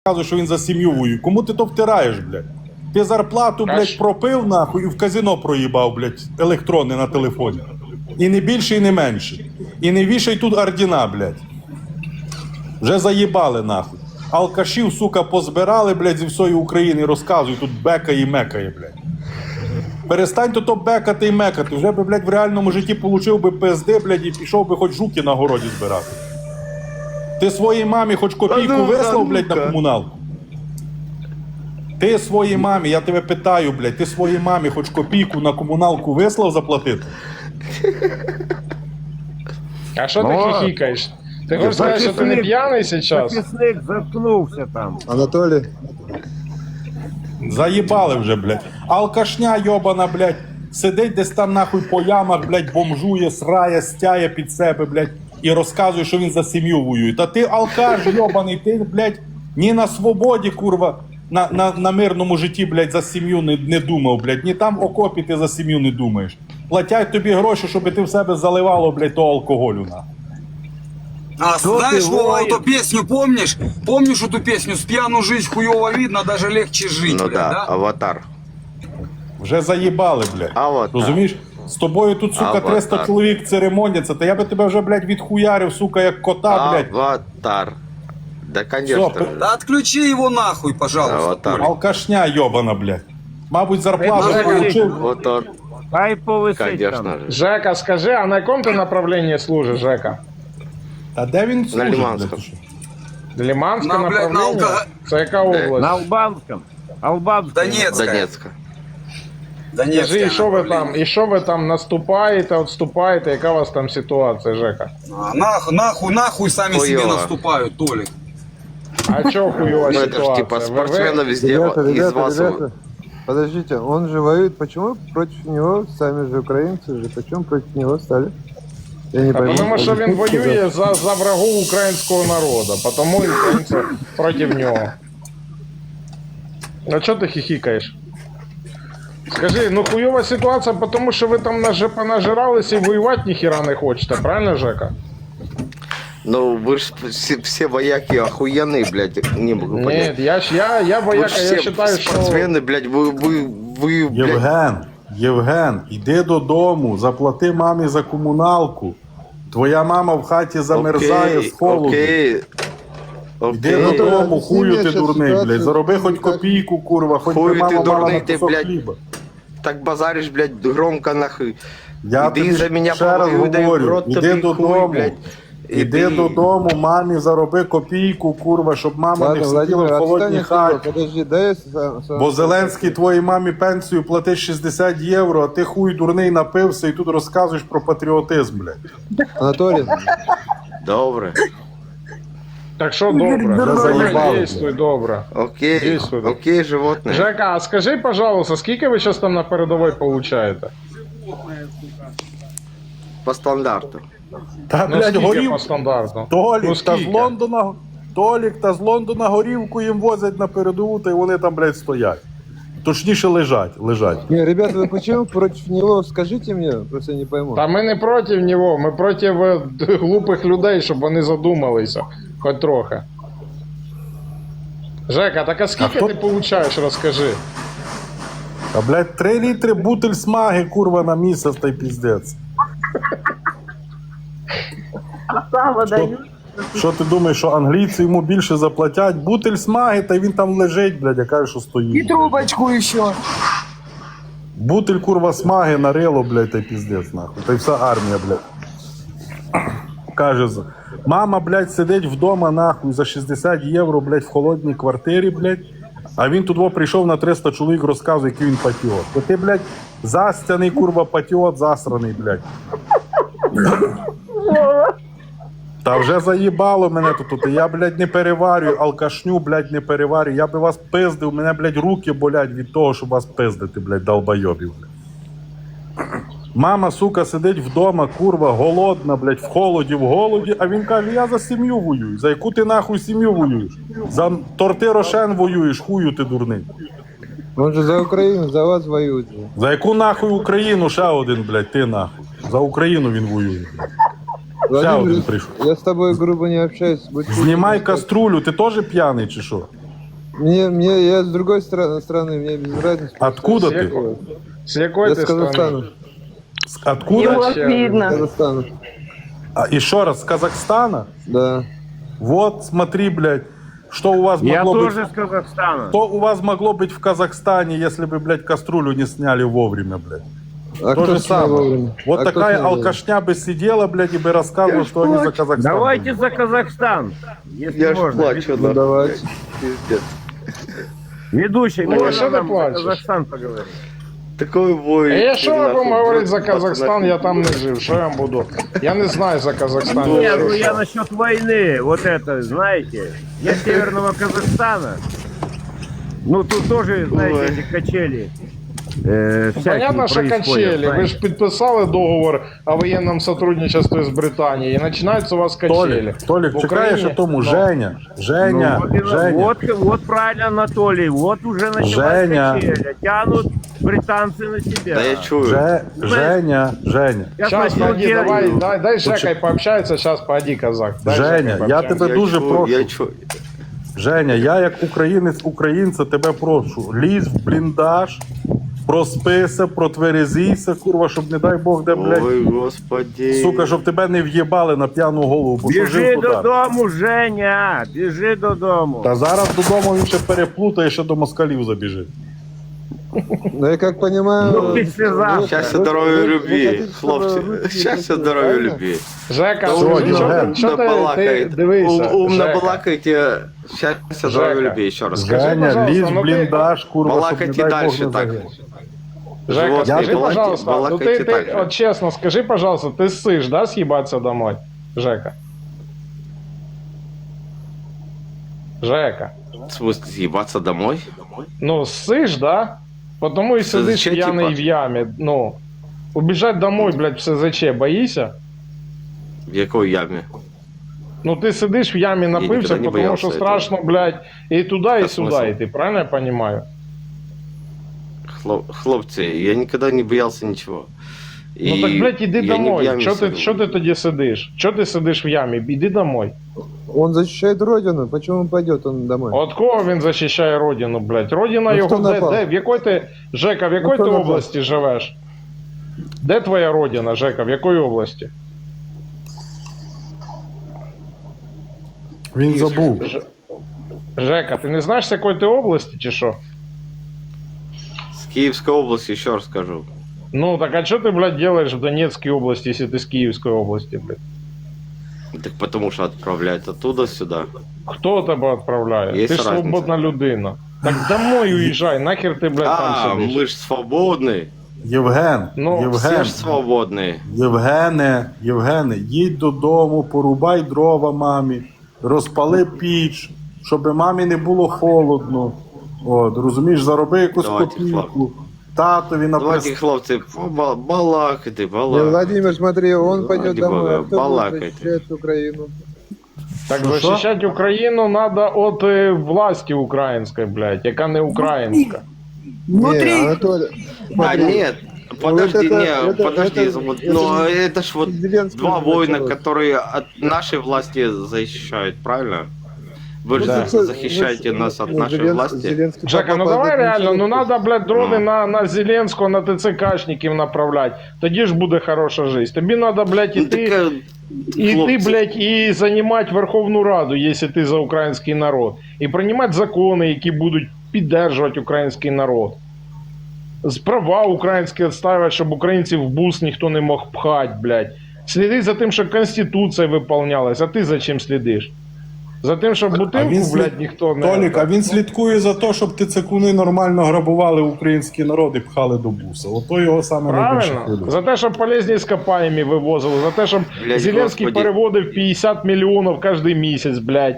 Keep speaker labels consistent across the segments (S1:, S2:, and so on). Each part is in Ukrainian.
S1: розказує, що він за сім'ю воює. Кому ти то втираєш, блядь? Ти зарплату, блядь, пропив, нахуй, і в казино проїбав, блядь, електронне на телефоні. І не більше, і не менше. І не вішай тут ордена, блядь. Вже заїбали, нахуй. Алкашів, сука, позбирали, блядь, зі всієї України, розказують, тут бекає і мекає, блядь. Перестань то бекати і мекати. Вже би, блядь, в реальному житті получив би ПСД, блядь, і пішов би хоч жуки на городі збирати. Ти своїй мамі хоч копійку вислав, блядь, на комуналку? Ти своїй мамі, я тебе питаю, блядь, ти своїй мамі хоч копійку на комуналку вислав заплатити?
S2: А що ти хихикаєш? Ти хочеш сказати, що ти не п'яний зараз?
S3: Записник заткнувся там.
S4: Анатолій.
S1: Заїбали вже, блядь. Алкашня йобана, блядь, сидить десь там нахуй по ямах, блядь, бомжує, срає, стяє під себе, блядь, і розказує, що він за сім'ю воює. Та ти алкаш йобаний, ти, блядь, ні на свободі, курва, на мирному житті, блядь, за сім'ю не думав, блядь, ні там в окопі ти за сім'ю не думаєш. Платять тобі гроші, щоб ти в себе заливало, блядь, того алкоголю, нахуй.
S5: А знаешь, Вова, эту песню помнишь? Помнишь эту песню? С пьяну жизнь хуёво видно, даже легче жить,
S6: Ну
S5: блядь,
S6: да, аватар.
S1: Вже заїбали, блядь. Розумієш? З тобою тут, сука, 300 чоловік церемоняться, та я би тебе вже, блядь, відхуярив, сука, як кота, блядь.
S6: Аватар. Да, конечно.
S1: Все,
S5: Да отключи его нахуй, пожалуйста.
S6: Аватар.
S1: алкашня йобана, блядь. Мабуть, зарплату
S2: Жека,
S1: получив.
S6: Вот он,
S3: Хай повисить
S6: конечно
S3: там.
S6: же.
S2: Жека, скажи, а на якому ти направленні служиш, Жека?
S1: А де він служить,
S6: Лиманському.
S1: блядь, ти що?
S2: Лиманське
S5: На, блядь, на
S2: направлення?
S5: алкоголь.
S2: Це яка
S3: На
S2: область?
S3: Албанському. Албанському.
S5: Донецкая.
S6: Донецка.
S5: Донецкая
S2: Скажи,
S5: направление.
S2: і що ви там наступаєте, відступаєте, яка у вас там ситуація, Жека?
S5: А, нахуй сами
S6: Хуёво.
S5: себе наступают, Толик.
S2: А чого хуйова
S6: Ну это ж
S2: ситуація?
S6: типа спортсмены везде
S4: Ребята,
S6: из
S4: ребята,
S6: вас.
S4: ребята. Подождите, он же воюет. Почему против него, сами же украинцы же, почему против него стали? Я не пойму.
S2: Тому що він воює за врагу українського народу, тому і українці проти нього. А чого ти хихикаєш? Скажи, ну хуйова ситуація, тому що ви там понажиралися і воювати ніхіра не хочете, правильно, Жека?
S6: Ну вы ж все вояки охуенные, блядь, не могу понять.
S2: Ні, я
S6: Вы
S2: вояка,
S6: ж
S2: я
S6: все
S2: вважаю, що...
S6: спортсмены, блядь, вы, блядь,
S1: Євген, іди додому, заплати мамі за комуналку. Твоя мама в хаті замерзає з холоду.
S6: окей.
S1: Іди
S6: Окей.
S1: додому,
S4: Ну,
S1: хую ти
S4: зараз
S1: дурний,
S4: ситуація
S1: блядь. Зароби хоч
S4: так.
S1: копійку, курва, хоч би
S6: Хуй ти
S1: мама мала
S6: дурний,
S1: на
S6: ти,
S1: кусок
S6: блядь.
S1: хліба.
S6: Так базаришь, блядь, громко нахуй.
S1: Я
S6: Іди
S1: тобі
S6: за мене
S1: ще раз
S6: повоюй, дай в
S1: говорю,
S6: рот
S1: іди
S6: тобі
S1: додому.
S6: хуй, блядь.
S1: Іди додому, мамі зароби копійку, курва, щоб мама не
S4: Ладно,
S1: сиділа
S4: Владимир,
S1: в холодній
S4: отстань от него.
S1: хаті.
S4: Подожди, дай я
S1: Бо Зеленський твоїй мамі пенсію платить 60 євро, а ти хуй дурний напився і тут розказуєш про патріотизм, блядь.
S4: Анатолий,
S6: Добре.
S2: Так що добре,
S1: Вже заїбали.
S2: дійствуй добре.
S6: Окей,
S2: Дійсно.
S6: окей, животне.
S2: Жека, а скажи, пожалуйста, скільки ви зараз там на передовій получаєте?
S6: По стандарту.
S1: Та,
S2: Ну,
S1: блядь,
S2: скільки
S1: горів.
S2: по стандарту?
S1: Толік,
S2: Ну,
S1: та з
S2: скільки?
S1: Лондона, Толік, та з Лондона горівку їм возять на передову, та й вони там, блядь, стоять. Точніше лежать.
S4: не, ребята, вы почему против него? Скажите мне, просто я не пойму.
S2: Та ми не проти нього, ми проти глупих людей, щоб вони задумалися, хоч трохи. Жека, так а скільки
S1: хто-
S2: ти получаєш, розкажи.
S1: А, блядь, 3 літри бутиль смаги, курва, на місяць, та й піздець.
S7: Сало
S1: Що,
S7: дають.
S1: що ти думаєш, що англійці йому більше заплатять? Бутиль смаги, та й він там лежить, блядь, я кажу, що стоїть.
S5: Трубочку еще.
S1: Бутиль, курва, смаги нарило, блядь, та й піздець, нахуй. Та й вся армія, блядь. Каже, мама, блядь, сидить вдома, нахуй, за 60 євро, блядь, в холодній квартирі, блядь. А він тут прийшов на 300 чоловік, розказує, який він патріот. То ти, блядь, застяний, курва, патріот, засраний, блядь. Та вже заїбало мене тут. Я, блядь, не переварюю, алкашню, блядь, не переварюю. Я би вас пиздив, мене, блядь, руки болять від того, щоб вас пиздити, блядь, долбойобів, блядь. Мама, сука, сидить вдома, курва, голодна, блядь, в голоді, а він каже, я за сім'ю воюю. За яку ти нахуй сім'ю воюєш? За торти Рошен воюєш, хую ти дурний.
S4: Он же за Украину, за вас воюет же.
S1: За яку нахуй Україну ще один, блядь, ти нахуй. За Україну він воює. Ще один
S4: Владимир,
S1: прийшов.
S4: я с тобой грубо не общаюсь. Будь
S1: Знімай каструлю, ти теж п'яний чи що?
S4: Я с другой страны, мне без разницы.
S1: Откуда
S2: С
S1: ты?
S2: якої- З якої
S4: Я
S2: ти
S4: с Казахстана.
S2: страни?
S1: Откуда?
S7: Его
S2: Зачем?
S7: видно.
S4: Казахстана.
S1: Еще раз, с Казахстана?
S4: Да.
S1: Вот, смотри, блядь, что у вас
S3: Я
S1: могло быть...
S3: тоже с Казахстана.
S1: Что у вас могло быть в Казахстане, если бы, блядь, кастрюлю не сняли вовремя, блядь?
S4: А
S1: То
S4: кто
S1: же
S4: снял
S1: самое.
S4: вовремя?
S1: Вот
S4: А кто
S1: такая
S4: снял
S1: алкашня бы сидела, блядь, и бы рассказывала, что они за Казахстан.
S3: Давайте за Казахстан, если
S6: Я ж
S3: можно.
S6: плачу,
S4: вовремя? Ну, давайте.
S6: Пиздец.
S3: Ведущий,
S2: Ну, а
S3: можно
S2: что ты
S3: нам за
S2: плачешь?
S3: Казахстан поговорить?
S6: Такой бой.
S2: Я що я
S6: нахуй,
S2: вам говорити за
S6: просто
S2: Казахстан, я там не жив. Що я вам буду? Я не знаю за Казахстан.
S3: Не, ну я насчет войны, вот это, знаете, я с Северного Казахстана. Ну тут тоже, знаете,
S6: Ой.
S3: эти качели.
S2: Понятно, що качелі. Ви ж підписали договор о воєнному сотрудничестві з Британією, і починаються у вас качелі.
S1: Толик,
S2: В
S1: чекаєш
S2: Україні-
S1: о тому, Женя, Женя, Женя.
S3: Вот правильно, Анатолий, вот уже началась
S1: Женя.
S3: качеля, тянут британцы на себя.
S6: Да я чую.
S1: Женя, Женя.
S3: Сейчас
S2: Сейчас,
S3: начну
S2: погоди,
S3: делать.
S2: дай с Жекой пообщается, сейчас погоди, казак. Дай с
S1: Женя,
S2: Жекой
S1: я
S2: пообщаемся.
S1: тебе дуже
S6: чую,
S1: прошу.
S6: Я чую.
S1: Женя, я як українець українця тебе прошу. Лізь в бліндаж, проспися, протверезійся, курва, щоб не дай Бог де, блядь.
S6: Ой, господи.
S1: Сука, щоб тебе не в'єбали на п'яну голову, бо що
S3: Біжи
S1: жив туди.
S3: додому, Женя, біжи додому.
S1: Та зараз додому він ще переплутає, ще до москалів забіжить.
S4: Ну, я как понимаю...
S3: Ну, післязавтра.
S6: Щастя, здоров'я, любві, хлопці. Щастя, здоров'я, любві.
S2: Жека,
S1: Що, Євген?
S2: що ти
S6: балакаєте?
S2: дивися,
S6: Умно
S2: Жека.
S6: балакаєте. Щастя, здоров'я,
S2: Жека.
S6: любві. Ще раз
S2: Скажи,
S6: скажи.
S1: Женя,
S2: пожалуйста,
S1: лізь в
S2: ну ти-
S1: бліндаж, курва, щоб не
S6: Балакайте
S1: дай
S6: дальше
S1: Бог не
S6: так.
S1: загинеш.
S2: Жека,
S6: Живот
S2: скажи,
S1: не
S2: пожалуйста, ну
S6: балакайте
S2: ты,
S6: так же.
S2: вот честно, скажи, пожалуйста, ты ссышь, да, съебаться домой? Жека. Жека.
S6: В смысле, съебаться домой?
S2: Ну, ссышь, да? Потому и
S6: Це
S2: сидишь
S6: зачем,
S2: пьяный
S6: типа?
S2: в яме. Ну, убежать домой, блядь, в СЗЧ, боишься?
S6: В якій ямі?
S2: Ну, ты сидишь в яме, напився,
S6: никогда не
S2: потому
S6: боялся
S2: что
S6: этого.
S2: страшно, блядь, и туда, и
S6: А
S2: сюда,
S6: смысл?
S2: и ты правильно я понимаю?
S6: Хлопці, я ніколи не боявся нічого.
S2: Ну так, блядь, иди
S6: я не в
S2: домой.
S6: ямі
S2: Что
S6: сиду.
S2: ты тоді сидишь? Что ты сидишь в яме? Иди домой.
S4: Он защищает родину, почему он пойдет он домой?
S2: От кого він захищає родину, блядь? Родина
S4: Ну,
S2: його
S4: хто
S2: де,
S4: напав?
S2: де? В якої ти, Жека, в якої
S4: хто
S2: ти
S4: напав?
S2: області живеш? Де твоя родина, Жека? В якої області?
S1: Він забув.
S2: Жека, ти не знаєш, з якої ти області, чи що?
S6: З Київської області, ще раз скажу.
S2: Ну, так а що ти, блядь, делаешь в Донецькій області, якщо ти з Київської області, блядь?
S6: Так потому що відправляють оттуда сюди.
S2: Хто тебе відправляє?
S6: Є
S2: ти ж
S6: разниця.
S2: свободна людина. Так домой уїжджай, нахер ти, блядь,
S6: А,
S2: там сидиш?
S6: ми ж свободні.
S1: Євген,
S2: Ну,
S6: Всі
S1: Євген,
S6: ж свободні.
S1: Євгене, їдь додому, порубай дрова мамі, розпали піч, щоб мамі не було холодно. От, розумієш, зароби якусь
S6: Давайте,
S1: копійку. Татові на
S6: Давайте, хлопці, балакайте,
S4: Не,
S6: балакайте.
S4: Владимир, смотри, он пойдет
S6: Ради
S4: домой,
S6: бога,
S4: а кто будет
S6: балакайте.
S4: защищать Украину?
S2: Так
S1: Що,
S2: захищати Україну треба від власті української, блядь, яка не українська.
S4: Не, Анатолий,
S6: А,
S4: смотри,
S6: нет, подожди,
S4: это-
S6: подожди,
S4: это-
S6: вот,
S4: это
S6: но
S4: же
S6: это ж вот
S4: Зеленский
S6: два
S4: уже
S6: воина,
S4: началось.
S6: которые от нашей власти защищают, правильно? Вы же
S2: Да.
S6: защищаете нас от нашей власти.
S4: Зеленский
S2: Жека, ну
S4: папа
S2: давай
S4: пойдет
S2: реально, ну
S4: ничего.
S2: надо, блядь, дрони
S6: Ну.
S2: на Зеленського, на ТЦКшників направлять. Тоді ж буде хороша жизнь. Тобі надо, блядь,
S6: Ну,
S2: іти,
S6: так,
S2: іти,
S6: хлопці.
S2: блядь, і займати Верховну Раду, якщо ти за український народ. І приймати закони, які будуть піддержувати український народ. З права українські відставити, щоб українців в бус ніхто не мог пхати, блядь. Сліди за тим, щоб Конституція виповнялась, а ти за чим слідиш? За тим, щоб бутилку, блядь, ніхто не...
S1: Толік, а він слідкує за те, щоб тицекуни нормально грабували український народ і пхали до буса. Ото його саме найбільше
S2: Правильно?
S1: хвилює.
S2: За те, щоб полезні іскопаємі вивозили, за те, щоб
S6: Блядь,
S2: Зеленський
S6: господи.
S2: переводив 50 мільйонів кожен місяць, блядь,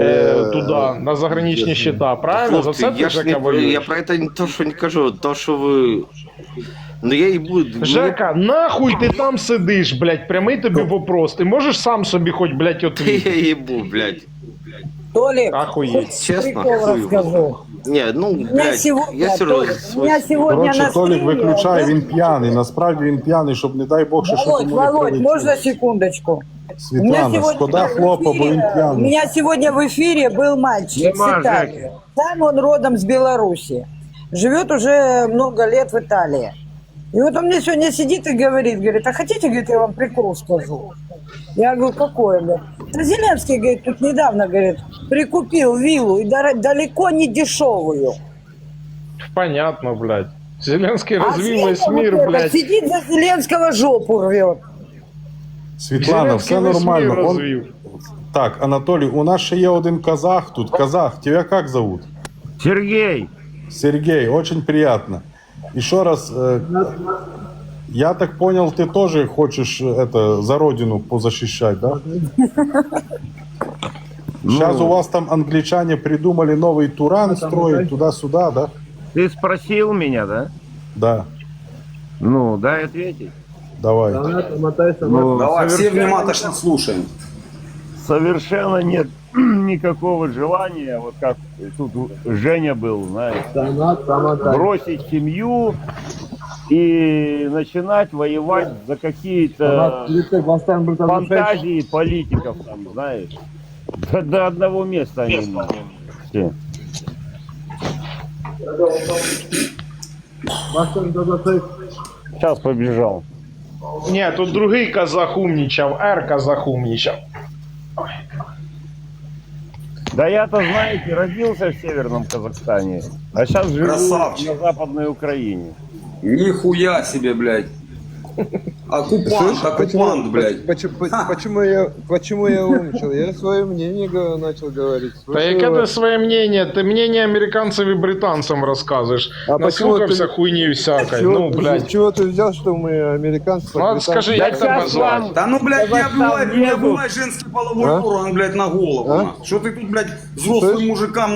S2: туди, на заграничні счета. Правильно? За
S6: Хлопці,
S2: це ти
S6: я ж
S2: Жека
S6: не,
S2: воюєш?
S6: я про это не то, что не кажу, то, что вы... Ну я и буду...
S2: Жека, нахуй ти там сидиш, блядь, прямий тобі вопрос. Ти можеш сам собі хоч, блядь,
S6: Я
S2: отвітити?
S6: ебу, блядь.
S8: Толик,
S2: Ахуєть.
S6: Честно,
S8: прикол
S6: хуй.
S8: расскажу.
S6: Не, ну,
S8: У меня
S6: блядь,
S8: сегодня,
S6: я серьезно.
S8: Толик, у меня сегодня
S1: Коротше,
S8: на
S1: Толік
S8: стриме...
S1: виключає, він п'яний. Насправді він п'яний, щоб не дай Бог, що
S8: Володь,
S1: тому не
S8: Володь,
S1: прилетіло.
S8: можно секундочку?
S1: Світлана, шкода хлопа, бо він
S8: у
S1: п'яний.
S8: меня сегодня в эфире был мальчик
S3: Нема,
S8: с Италии.
S3: Жека.
S8: Сам он родом с Беларуси. Живет уже много лет в Италии. И вот он мне сегодня сидит и говорит, а хотите, говорит, я вам прикол скажу? Я говорю, какой? Говорит, «Да Зеленский, говорит, тут недавно, говорит, прикупил виллу, и далеко не дешевую.
S2: Понятно, блядь. Зеленский
S8: А
S2: развил весь
S8: Света
S2: мир,
S8: вот это
S2: блядь.
S8: сидит за Зеленского жопу рвет.
S1: Світлана,
S2: Зеленський
S1: все
S2: весь мир
S1: нормально.
S2: розвів.
S1: Так, Анатолій, у нас ще є один казах тут. Казах, тебя как зовут?
S3: Сергей,
S1: Сергей, очень приятно. Еще раз, я так понял, ты тоже хочешь это за родину позащищать, да? Сейчас у вас там англичане придумали новый Туран строить туда-сюда, да?
S3: ты спросил меня, да?
S1: Да,
S3: Ну, дай ответить.
S1: давай.
S3: Ну,
S5: Давай, все внимательно слушаем.
S3: совершенно нет никакого желания, вот как тут Женя был, знаешь, бросить семью и начинать воевать за какие-то фантазии политиков, там, знаешь. До одного места они все. Сейчас побежал.
S2: Ні, тут другий казах умнічав, казах умнічав.
S3: Да я-то, знаете, родился в Северном Казахстане, а сейчас живу
S5: Красавчик.
S3: на Западной Украине.
S5: Нихуя себе, блядь. Оккупант, блядь.
S4: Почему я умничал? Я свое мнение начал говорить.
S2: Та яке ти своє мнення? Ти мнення американцям і британцям розказуєш.
S4: А
S2: Наслухався
S4: почему
S2: хуйні всякої.
S4: Чего,
S2: Ну, блядь.
S4: с чего ты взял, что мы американцы?
S2: Ну, от скажи,
S3: Да
S2: як тебе
S3: сейчас
S2: звати?
S3: вам
S5: Да ну, блядь, не
S3: Казахстан
S5: обувай
S3: нету.
S5: женский половой
S4: А?
S5: орган, блядь, на голову.
S4: А?
S5: на. Что ты тут, блядь, взрослым
S4: Слышь?
S5: мужикам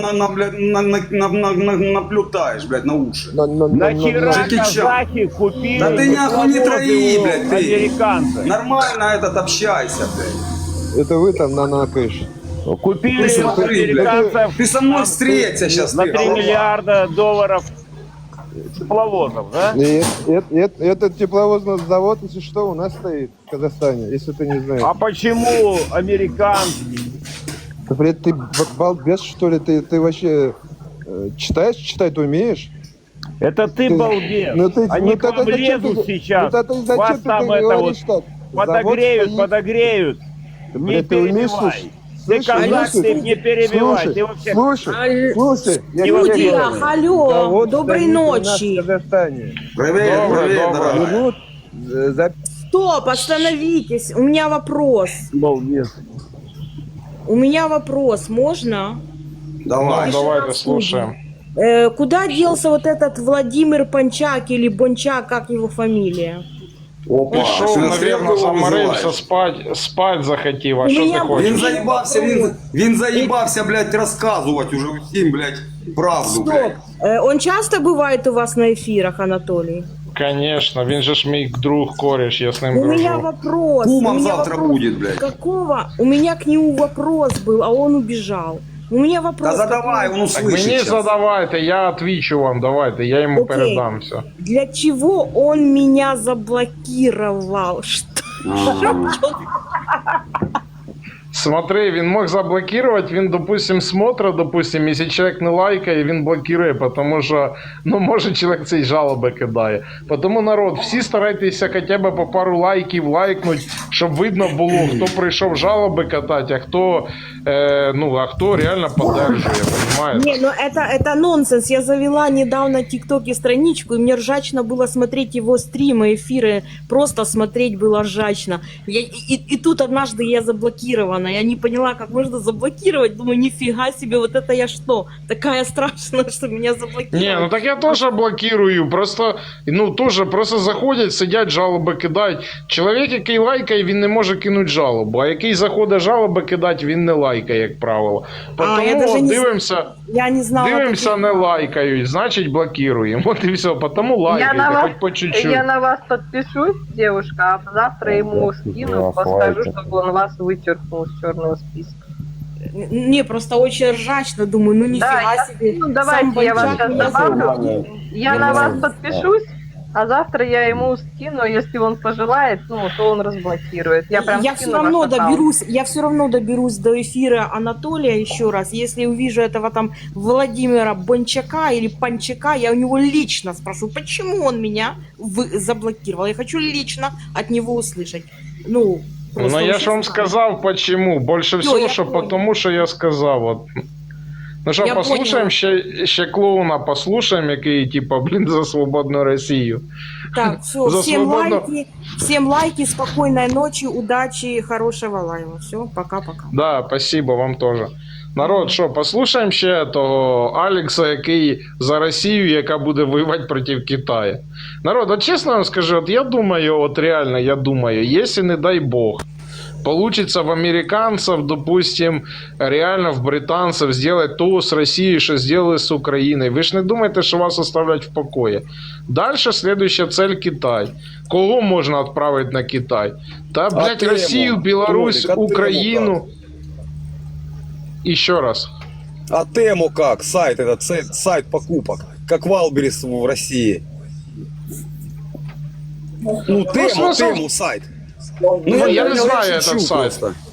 S5: наплетаешь, блядь, на уши?
S3: нахера
S5: Джеки Чан.
S3: казахи купили
S5: Да ты нахуй не трои, блядь, ты.
S3: американцы.
S5: Нормально этот общайся, блядь.
S4: Это вы там накаешь.
S3: Купили
S5: Ты смотри,
S3: американцев
S5: блядь. Ты со мной встреться сейчас,
S3: на
S5: ты,
S3: 3
S5: голова.
S3: миллиарда долларов тепловозов, да?
S4: И этот тепловозный завод, если что, у нас стоит в Казахстане, если ты не знаешь.
S3: А почему американцы?
S4: Блядь, ты балбес, что ли? Ты вообще читать умеешь?
S3: Это ты балбес.
S4: Ну ты-
S3: Они
S4: ну
S3: к вам
S4: тогда зачем
S3: лезут
S4: ты-
S3: сейчас.
S4: ну тогда зачем
S3: Вас
S4: ты
S3: там
S4: так
S3: это вот
S4: говоришь так?
S3: подогреют,
S4: Завод стоит.
S3: подогреют. Не
S4: Блядь, ты умеешь
S3: перебивай.
S4: слушать?
S3: Ты
S4: Слушай,
S3: казах,
S4: слушай,
S3: ты не перебивай.
S4: Слушай,
S3: Ты вообще...
S4: слушай, я
S3: Не
S4: тебе
S3: Студия,
S4: говорю.
S8: алло,
S4: Завод
S8: доброй
S4: стоит у нас
S8: ночи.
S4: в Казахстане.
S5: Привет,
S2: Доброе,
S5: привет,
S2: доброе.
S5: дорогая.
S4: Вернут за
S9: Стоп, остановитесь. У меня вопрос.
S3: Балбес.
S9: У меня вопрос. Можно?
S5: Давай.
S2: Ну, давайте слушаем.
S9: Куда делся вот этот Владимир Панчак или Бончак, как его фамилия?
S5: Опа,
S2: Пішов,
S5: що,
S2: наверное,
S5: стрілку
S2: заморився,
S5: визиваєш?
S2: спать захотів, а
S9: У
S2: що ти
S9: мене
S5: Він
S2: хочеш?
S5: заїбався, він заїбався, блядь, розказувати уже всім, блядь, правду, блядь.
S9: Он часто бывает у вас на эфирах, Анатолий?
S2: Конечно, він же ж мій друг, кореш, я з ним
S9: У меня
S2: дружу.
S9: вопрос.
S5: Кумом
S9: у меня
S5: завтра
S9: вопрос.
S5: будет, блядь.
S9: Какого? У меня к нему вопрос был, а он убежал. У меня вопрос.
S5: Да задавай,
S9: какой?
S5: он
S2: Так
S5: услышит
S2: мені
S5: сейчас.
S2: задавайте, я отвечу вам, давайте, я йому
S9: Окей.
S2: передам все.
S9: Для чего он меня заблокировал? Что?
S2: Смотри, він мог заблокувати, він, допустим, смотрит, допустим, якщо чоловік не лайкає, він блокує, тому що, ну, може, чоловік цей жалоби кидає. Тому, народ, всі старайтеся хоча б по пару лайків лайкнуть, щоб видно було, хто прийшов жалоби катати, а хто, а хто реально поддержує, понимаете?
S9: Не, ну это нонсенс. Я завела недавно в ТикТоке страничку, и мне ржачно было смотреть его стримы, эфиры. Просто смотреть было ржачно. И тут однажды я заблокирована. Я не поняла, как можно заблокировать. Думаю, нифига себе, вот это я что? Такая страшная, что меня заблокировали.
S2: Не, ну так я теж блокирую, просто, просто заходять, сидять, жалоби кидають. Чоловік, який лайкає, він не може кинути жалобу, а який заходить жалоби кидати, він не лайкає, як правило.
S9: я даже
S2: Тому
S9: не
S2: дивимося,
S9: Я не знала.
S2: дивимося, не лайкають, значить блокируємо. От і все, тому лайкайте, хоч по чуть-чуть.
S7: Я на вас подпишусь, девушка, а завтра ему скину, скажу, чтобы он вас вычеркнул с черного списка.
S9: Не, просто очень ржачно. Думаю, ну нифига
S7: Да,
S9: себе.
S7: ну давайте
S9: Сам
S7: я вас
S9: Бончак
S7: сейчас
S9: меня
S7: добавлю. Я на вас подпишусь, А завтра я ему скину, если он пожелает, ну, то он разблокирует. Я прям
S9: Я
S7: скину
S9: все равно
S7: ваш аккаунт.
S9: доберусь, я все равно доберусь до эфира Анатолия еще раз. Если увижу этого там Владимира Бончака или Панчака, я у него лично спрошу, почему он меня заблокировал. Я хочу лично от него услышать. Ну, просто
S2: Ну я
S9: он
S2: ж вам
S9: сейчас
S2: сказав, почему. Больше
S9: Ну,
S2: всего,
S9: я
S2: що
S9: понял.
S2: потому, що я сказав. От. Ну що,
S9: Я
S2: послухаємо ще клоуна, послухаємо, який, типа, блін, за свободну Росію.
S9: Так, все,
S2: За
S9: всем лайки, спокойной ночи, удачи, хорошего лайва. Все, пока-пока.
S2: Да, спасибо вам теж. Народ, що, послухаємо ще того Алекса, який за Росію, яка буде воювати проти Китаю. Народ, от чесно вам скажу, от я думаю, от реально, я думаю, якщо, не дай Бог, получится в американцев, допустим, реально в британцев сделать то с Россией, что сделали с Украиной. Вы ж не думаете, что вас оставлять в покое. Дальше следующая цель Китай. Кого можно отправить на Китай? Да, блядь,
S10: тему?
S2: Россию, Беларусь,
S10: Толик, а
S2: Украину. Еще раз.
S10: А тему как? Сайт этот, сайт покупок. Как Валберис в России. Ну,
S2: смысл-
S10: тему сайт.
S2: Ну, я не
S10: понял,
S2: знаю
S10: я
S2: этот
S10: шучу
S2: сайт.
S10: просто.